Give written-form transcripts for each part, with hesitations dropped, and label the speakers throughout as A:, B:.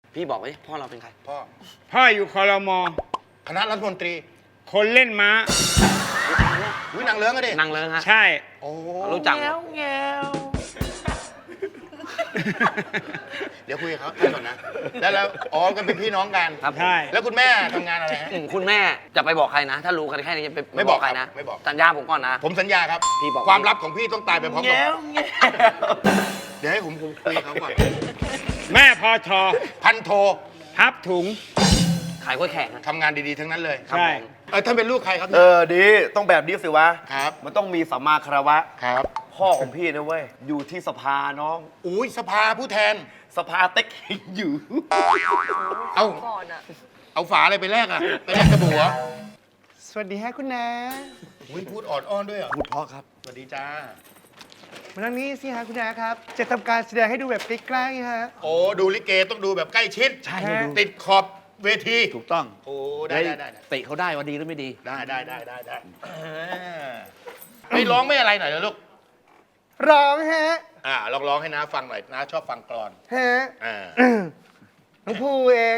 A: พี่บอกไว้พ่อเราเป็นใคร
B: พ่ออยู่ครม.
C: คณะรัฐมนตรี
B: คนเล่นม้า
C: อุ้ยนางเลิ้งก็ดิ
A: นางเลิงฮะ
B: ใช่
C: โอ้
A: รู้จัก
C: เดี๋ยวคุยกับเขาก่อนนะแล้วอ๋อกันเป็นพี่น้องกัน
A: ครับผม
B: ใช่
C: แล้วคุณแม่ทำงานอะไรฮะ
A: คุณแม่จะไปบอกใครนะ ถ้ารู้กันแค่นี้จะไป
C: ไม่บอก
A: ใครนะ
C: ไม่บอก
A: สัญญาผมก่อนนะ
C: ผมสัญญาครับ
A: พี่บอก
C: ความลับของพี่ต้องตายไปพร้อมกับเดี๋ยวให้ผมคุยกับเขาก่อน
B: แม่พอทอ
C: พันโท
B: พับถุง
A: ขายกล้วยแขกนะ
C: ทำงานดีๆทั้งนั้นเลย
A: ครับ
B: ใช่
A: ผม
C: ท่านเป็นลูกใครครับ
D: ดีต้องแบบนี้สิวะ
C: ครับ
D: มันต้องมีสัมมาคารวะ
C: ครับ
D: พ่อของพี่นะเว้ย อยู่ที่สภาน้อง
C: อุ้ยสภาผู้แทน
D: สภาเต็กอยู่
C: เอาเอาฝาอะไรไปแลกอ่ะไปแลกกระบัว
B: สวัสดีฮะคุณนา
C: อุ้ยพูดออดอ้อนด้วยเหรอ
D: พูดเพราะครับ
C: สวัสดีจ้า
B: มานั่งนี้สิฮะคุณนาครับ จะทำการแสดงให้ดูแบบใกล้ๆฮะ
C: โอ้ดูลิเกต้องดูแบบใกล้ชิด
B: ใช่ให้ดู
C: ติดขอบเวที
E: ถูกต้อง
C: โอ้ได้
E: เตะเขาได้ว่าดีหรือไม่ดี
C: ได้ไม่ร้องไม่อะไรหน่อยเหรอลูก
B: ร้องฮะ
C: ลองร้องให้น้าฟังหน่อยน้าชอบฟังกลอน
B: ฮะ
C: อ่า
B: น้องภูเอง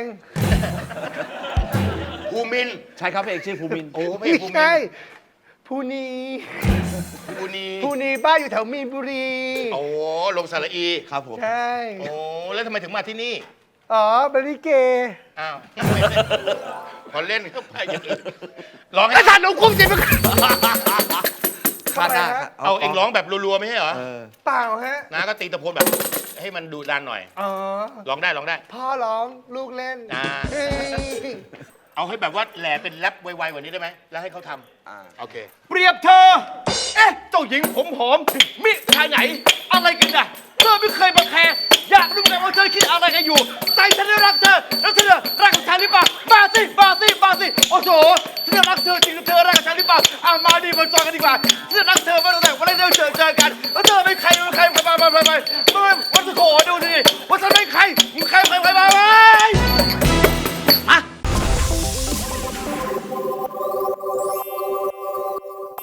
C: ภูมินทร์
E: ใช่ครับพระเอกชื่อภูมินทร์
C: โอ้ไม่
B: ไม่
C: ภูมินท
B: ใช่
C: ร์
B: ภูนี
C: ภูนี
B: ภูนีบ้านอยู่แถวมีนบุรี
C: โอ้ลงสระอี
E: ครับผม
B: ใช่
C: โอ้แล้วทำไมถึงมาที่นี่
B: อ๋อบริเก
C: อ้าวพอเล่นก็ไปอย่างอื่นร้องให้ท่านหนูคุ้มสิมึง
E: คาดหน้าครับ
C: เอาเองร้องแบบรัวๆไม่ใช่เหรอ
B: เปล่าฮะ
C: น้าก็ตีตะโพนแบบให้มันดุดันหน่อย
B: อ๋อ
C: ร้องได้
B: พ่อร้องลูกเล่น
C: อ่า
B: เฮ้ย
C: เอาให้แบบว่าแหล่เป็นแรปไวๆกว่านี้ได้ไหมแล้วให้เขาทำโอเค
D: เปรียบเธอ เอ๊ะ เจ้าหญิงผมหอม มิทางไหน อะไรกันน่ะ เธอไม่เคยมาแคร์อยากรู้ไงว่าเธอคิดอะไรกันอยู่ ใจฉันได้รักเธอ แล้วเธอรักกับฉันหรือเปล่ามาสิ โอ้โหฉันรักเธอจริงหรือเธอรักกับฉันหรือเปล่ามาดิมาจอยกันดีกว่าฉันรักเธอมาตั้งแต่วันแรกที่เราเจอกัน แล้วเธอเป็นใครมาวันโถดูดิว่าฉันเป็นใครมึงใครมา